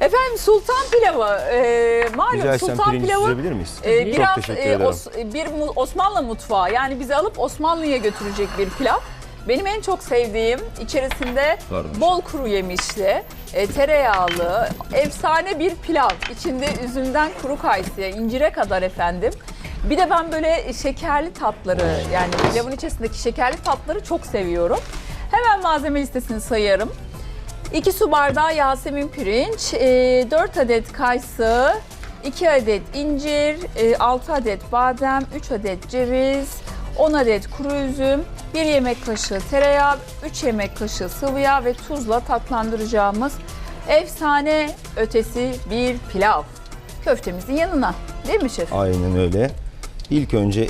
Efendim sultan pilavı, malum Rica etsem sultan pirinci pilavı süzebilir miyiz? biraz Çok teşekkür ederim. bir Osmanlı mutfağı, yani bizi alıp Osmanlı'ya götürecek bir pilav. Benim en çok sevdiğim, içerisinde bol kuru yemişli, tereyağlı, efsane bir pilav. İçinde üzümden kuru kayısıya, incire kadar efendim. Bir de ben böyle şekerli tatları, yani pilavın içerisindeki şekerli tatları çok seviyorum. Hemen malzeme listesini sayarım. 2 su bardağı Yasemin pirinç, 4 adet kayısı, 2 adet incir, 6 adet badem, 3 adet ceviz, 10 adet kuru üzüm, 1 yemek kaşığı tereyağı, 3 yemek kaşığı sıvı yağ ve tuzla tatlandıracağımız efsane ötesi bir pilav. Köftemizin yanına, değil mi şef? Aynen öyle. İlk önce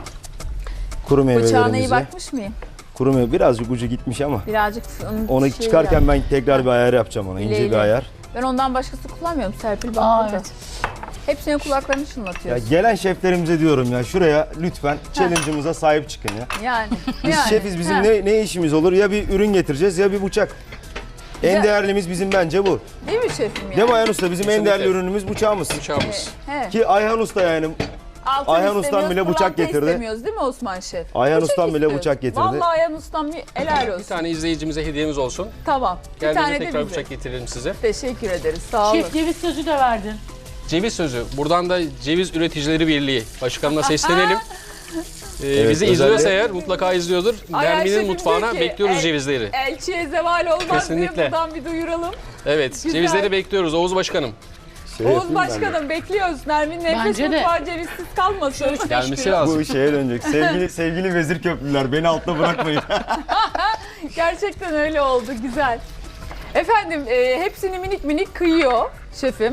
kuru Bıçağına iyi meyvelerimizi... bakmış mıyım? Kuru meyve birazcık ucu gitmiş ama Birazcık onu çıkarken ben tekrar bir ayar yapacağım ona. İnce bir ayar. Ben ondan başkası kullanmıyorum Serpil, bak burada. Evet. Hepsine kulaklarını Ya çınlatıyorsun. gelen şeflerimize diyorum ya, şuraya lütfen challenge'ımıza sahip çıkın ya. Yani. Biz şefiz, bizim ne işimiz olur? Ya bir ürün getireceğiz ya bir bıçak. En Güzel. değerlimiz bizim bence bu. Değil mi şefim ya? Değil mi Ayhan Usta? Bizim en Kesinlikle. değerli ürünümüz bıçağımız. Bıçağımız. He. Ki Ayhan Usta yani. Altın Ayhan Ustam istemiyoruz, bile bıçak pırlanta getirdi. istemiyoruz değil mi Osman Şef? Ayhan Bıçak Ustam bile istiyoruz. bıçak getirdi. Vallahi Ayhan Ustam helal olsun. Bir tane izleyicimize hediyemiz olsun. Tamam. Bir Geldiğinizde tane de tekrar bize. bıçak getirelim size. Teşekkür ederiz. Sağ olun. Şef ceviz sözü de verdin. Ceviz sözü. Buradan da Ceviz Üreticileri Birliği Başkanı'na seslenelim. Evet, Bizi izliyorsa özellikle- eğer mutlaka izliyordur. Ay, ay, Nermin'in şefim mutfağına diyor ki, bekliyoruz cevizleri. Elçiye zeval olmaz diye Kesinlikle. buradan bir duyuralım. Evet, Güzel. cevizleri bekliyoruz Oğuz Başkanım. Yapayım Oğuz ben de. Başkanım bekliyoruz. Nermin nefes Bence de. mutfağı cevizsiz kalmasın. Gelmesi lazım. Bu şeye dönecek. Sevgili vezir köprüler, beni altta bırakmayın. Gerçekten öyle oldu. Güzel. Efendim hepsini minik minik kıyıyor şefim.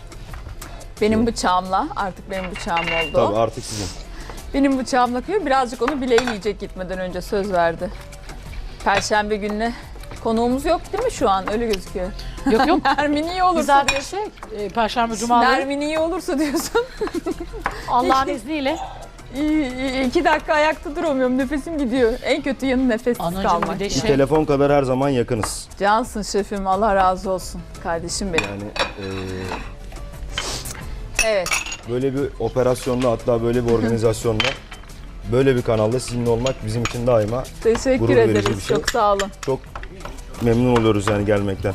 Benim bıçağımla. Artık benim bıçağım oldu. Tabii artık sizin. Benim bıçağımla kıyıyor. Birazcık onu bileği yiyecek gitmeden önce, söz verdi. Perşembe gününe konuğumuz yok değil mi şu an? Öyle gözüküyor. Yok yok. Nermin iyi olursa Güzel bir diyorsun. şey. Perşembe, cumaları Nermin iyi olursa diyorsun. Allah'ın izniyle. 2 dakika ayakta duramıyorum. Nefesim gidiyor. En kötü yanı nefessiz Anacığım kalmak. bir de Bir şey. telefon kadar her zaman yakınız. Cansın şefim. Allah razı olsun. Kardeşim benim. Yani Evet. böyle bir operasyonda, hatta böyle bir organizasyonda, böyle bir kanalda sizinle olmak bizim için daima Teşekkür Gurur verici ederiz. bir şey. Çok sağ olun. çok memnun oluyoruz yani gelmekten.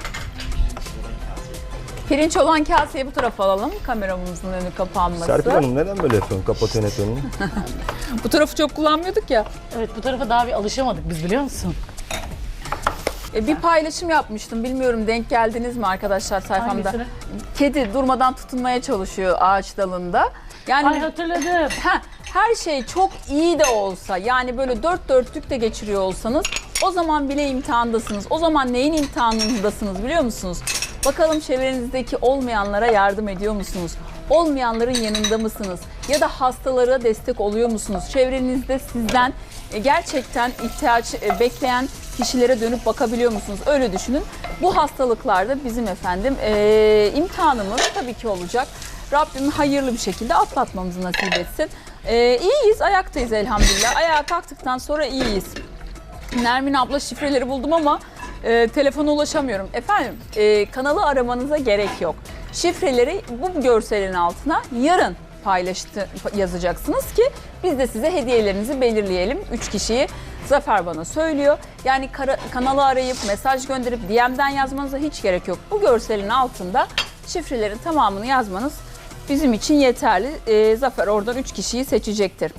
Pirinç olan kaseyi bu tarafa alalım. Kameramızın önü kapanması. Serpil Hanım neden böyle yapıyorsun? Kapatıyorsun hep önünü. Bu tarafı çok kullanmıyorduk ya. Evet, bu tarafa daha bir alışamadık biz, biliyor musun? Bir paylaşım yapmıştım. Bilmiyorum denk geldiniz mi arkadaşlar sayfamda? Hangisini? Kedi durmadan tutunmaya çalışıyor ağaç dalında. Yani Ay hatırladım. her şey çok iyi de olsa, yani böyle dört dörtlük de geçiriyor olsanız, o zaman bile imtihandasınız. O zaman neyin imtihanındasınız biliyor musunuz? Bakalım çevrenizdeki olmayanlara yardım ediyor musunuz? Olmayanların yanında mısınız? Ya da hastalara destek oluyor musunuz? Çevrenizde sizden gerçekten ihtiyaç bekleyen kişilere dönüp bakabiliyor musunuz? Öyle düşünün. Bu hastalıklarda bizim efendim imtihanımız tabii ki olacak. Rabbim hayırlı bir şekilde atlatmamızı nasip etsin. İyiyiz, ayaktayız elhamdülillah. Ayağa kalktıktan sonra iyiyiz. Nermin abla şifreleri buldum ama telefona ulaşamıyorum. Efendim kanalı aramanıza gerek yok. Şifreleri bu görselin altına yarın yazacaksınız ki biz de size hediyelerinizi belirleyelim. 3 kişiyi Zafer bana söylüyor. Yani kanalı arayıp mesaj gönderip DM'den yazmanıza hiç gerek yok. Bu görselin altında şifrelerin tamamını yazmanız bizim için yeterli. Zafer oradan 3 kişiyi seçecektir.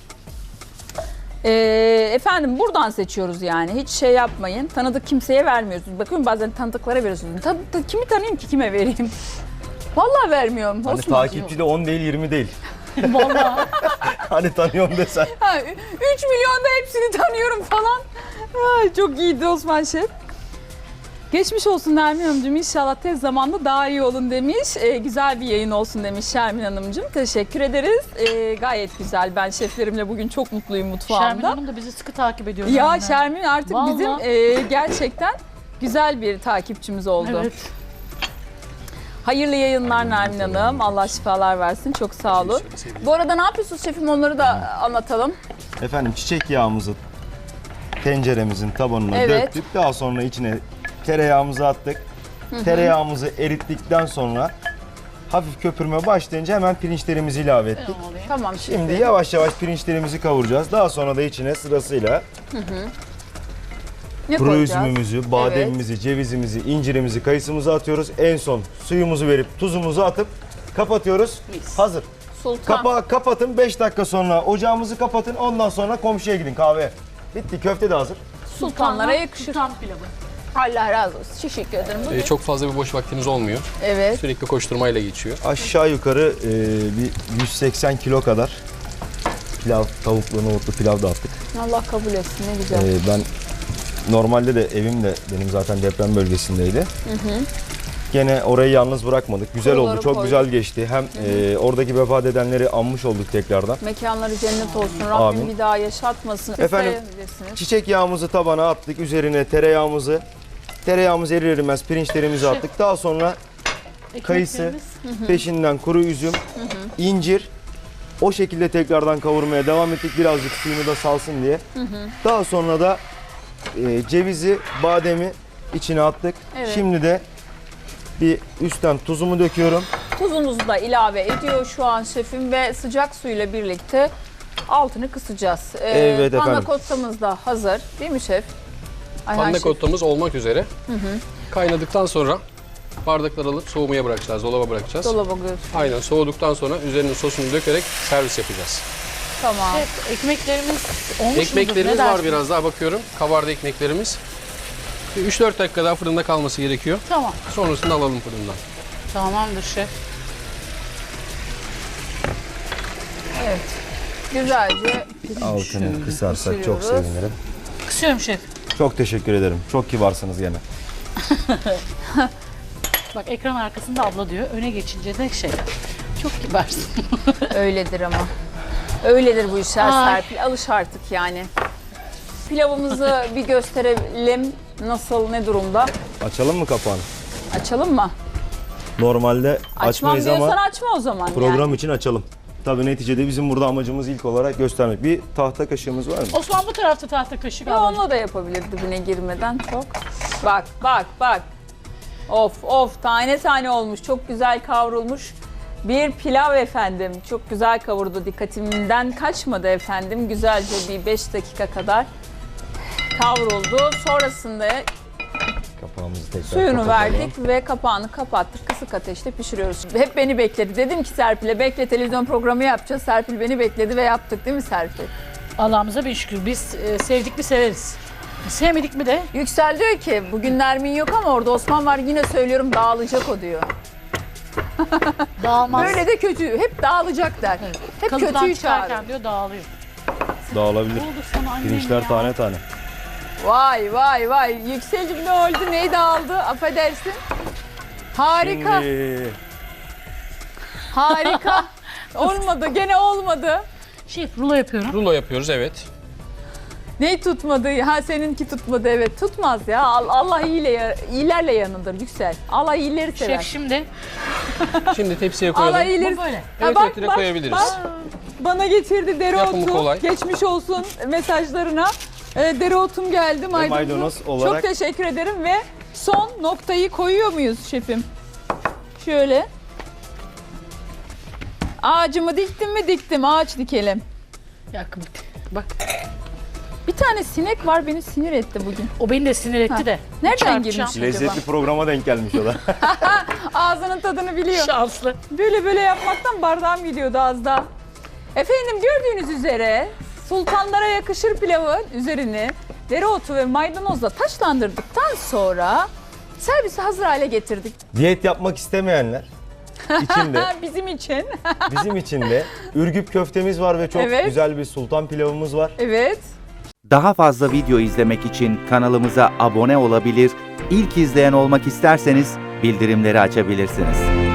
Efendim buradan seçiyoruz yani. Hiç şey yapmayın. Tanıdık kimseye vermiyorsunuz. Bakıyorum bazen tanıdıklara veriyorsunuz. Kimi tanıyayım ki kime vereyim? Vallahi vermiyorum. Hani Osman. takipçi de 10 değil 20 değil. Vallahi. Hani tanıyorum desen. 3 milyonda hepsini tanıyorum falan. Ay, çok iyiydi Osman Şef. Geçmiş olsun Nermin Hanımcığım. İnşallah tez zamanda daha iyi olun demiş. Güzel bir yayın olsun demiş Şermin Hanımcığım. Teşekkür ederiz. Gayet güzel. Ben şeflerimle bugün çok mutluyum mutfağımda. Şermin Hanım da bizi sıkı takip ediyor. Ya yani. Şermin artık Vallahi. bizim gerçekten güzel bir takipçimiz oldu. Evet. Hayırlı yayınlar Nermin Hanım. Allah şifalar versin. Çok sağ olun. Bu arada ne yapıyorsunuz şefim? Onları da anlatalım. Efendim çiçek yağımızı tenceremizin tabanına Evet. döktük. Daha sonra içine tereyağımızı attık. Tereyağımızı erittikten sonra hafif köpürme başlayınca hemen pirinçlerimizi ilave ettik. Tamam Şimdi yavaş yavaş pirinçlerimizi kavuracağız. Daha sonra da içine sırasıyla ne kuru koyacağız? üzümümüzü, bademimizi, cevizimizi, incirimizi, kayısımızı atıyoruz. En son suyumuzu verip tuzumuzu atıp kapatıyoruz. Hazır. Sultan. Kapağı kapatın, 5 dakika sonra ocağımızı kapatın. Ondan sonra komşuya gidin kahve. Bitti, köfte de hazır. Sultanlara yakışır. Sultan pilavı. Allah razı olsun. Teşekkür ederim. Bugün. Çok fazla bir boş vaktiniz olmuyor. Evet. Sürekli koşturmayla geçiyor. Aşağı yukarı bir 180 kilo kadar pilav, tavuklu, nohutlu pilav da attık. Allah kabul etsin. Ne güzel. Ben normalde de evim de benim zaten deprem bölgesindeydi. Gene orayı yalnız bırakmadık. Güzel Kuruları oldu, çok koyduk. güzel geçti. Hem oradaki vefat edenleri anmış olduk tekrardan. Mekanları cennet olsun. Rabbim Amin. bir daha yaşatmasın. Efendim, İsteyebilirsiniz. çiçek yağımızı tabana attık. Üzerine tereyağımız erir erimez pirinçlerimizi attık. Daha sonra kayısı, Ekmeklerimiz. peşinden kuru üzüm, incir. O şekilde tekrardan kavurmaya devam ettik. Birazcık suyunu da salsın diye. Daha sonra da cevizi, bademi içine attık. Evet. Şimdi de bir üstten tuzumu döküyorum. Tuzumuzu da ilave ediyor şu an şefim ve sıcak suyla birlikte altını kısacağız. Evet Panna efendim. cottamız da hazır değil mi şef? Ayhan Panna şef. cottamız olmak üzere. Kaynadıktan sonra bardaklar alıp soğumaya bırakacağız, dolaba bırakacağız. Dolaba götür. Aynen, soğuduktan sonra üzerine sosunu dökerek servis yapacağız. Tamam. Şef, ekmeklerimiz olmuş mudur? Ekmeklerimiz Ne var dersin? biraz daha bakıyorum. Kabardı ekmeklerimiz. Bir 3-4 dakika daha fırında kalması gerekiyor. Tamam. Sonrasında alalım fırından. Tamamdır şef. Evet. Güzelce Altını kısarsak çok pişiriyoruz. sevinirim. Kısıyorum şef. Çok teşekkür ederim. Çok kibarsınız gene. Bak ekran arkasında abla diyor. Öne geçince de şey. Çok kibarsın. öyledir ama. Öyledir bu işler Ay. Serpil. Alış artık yani. Pilavımızı bir gösterelim. Nasıl, ne durumda? Açalım mı kapağını? Açalım mı? Normalde Açmam açmayız diyorsan ama açma o zaman. program için açalım. Tabii neticede bizim burada amacımız ilk olarak göstermek. Bir tahta kaşığımız var mı? Osman bu tarafta tahta kaşık Yani. alalım. Onunla da yapabilir dibine girmeden çok. Bak bak bak. Of of tane tane olmuş. Çok güzel kavrulmuş. Bir pilav efendim. Çok güzel kavurdu. Dikkatimden kaçmadı efendim. Güzelce bir 5 dakika kadar kavruldu. Sonrasında Kapağımızı tekrar suyunu kapatalım. verdik ve kapağını kapattık. Kısık ateşte pişiriyoruz. Hep beni bekledi. Dedim ki Serpil'e bekle, televizyon programı yapacağız. Serpil beni bekledi ve yaptık değil mi Serpil? Allah'ımıza bin şükür. Biz sevdik mi severiz. Sevmedik mi de Yüksel diyor ki bugün Nermin yok ama orada Osman var, yine söylüyorum dağılacak o diyor. dağılmaz. Böyle de kötü. Hep dağılacak der. Evet. Hep Kalıptan kötüyü çıkarken çağırır. diyor dağılıyor. Dağılabilir. Ne oldu sana annem Pirinçler ya? tane tane. Vay vay vay. Yüksel'cim ne oldu? Neyi dağıldı? Affedersin. Harika. Şimdi Harika. Olmadı. Gene olmadı. Şef rulo yapıyorum. Rulo yapıyoruz, evet. Neyi tutmadı? Ha seninki tutmadı, evet. Tutmaz ya. Allah iyilerle yanındır Yüksel. Allah iyileri sever. Şef şimdi. Şimdi tepsiye Allah koyalım. iyileri. Bu böyle. Ha, Evet, bak, direkt koyabiliriz. bak. Bana getirdi Yapımı dereotu. kolay. Geçmiş olsun mesajlarına. Dereotum geldi maydanoz. maydanoz olarak- Çok teşekkür ederim ve son noktayı koyuyor muyuz şefim? Şöyle. Ağacımı diktim mi diktim. Ağaç dikelim. Yakın. Bak Bir tane sinek var, beni sinir etti bugün. o beni de sinir etti Ha. de. Nereden Çarpacağım. girmiş? lezzetli programa denk gelmiş o da. Ağzının tadını biliyor. Şanslı. Böyle yapmaktan bardağım gidiyordu az daha. Efendim gördüğünüz üzere sultanlara yakışır pilavın üzerini dereotu ve maydanozla taçlandırdıktan sonra servise hazır hale getirdik. Diyet yapmak istemeyenler için de Bizim için. bizim için de Ürgüp köftemiz var ve çok Evet. güzel bir sultan pilavımız var. Evet. Daha fazla video izlemek için kanalımıza abone olabilir, ilk izleyen olmak isterseniz bildirimleri açabilirsiniz.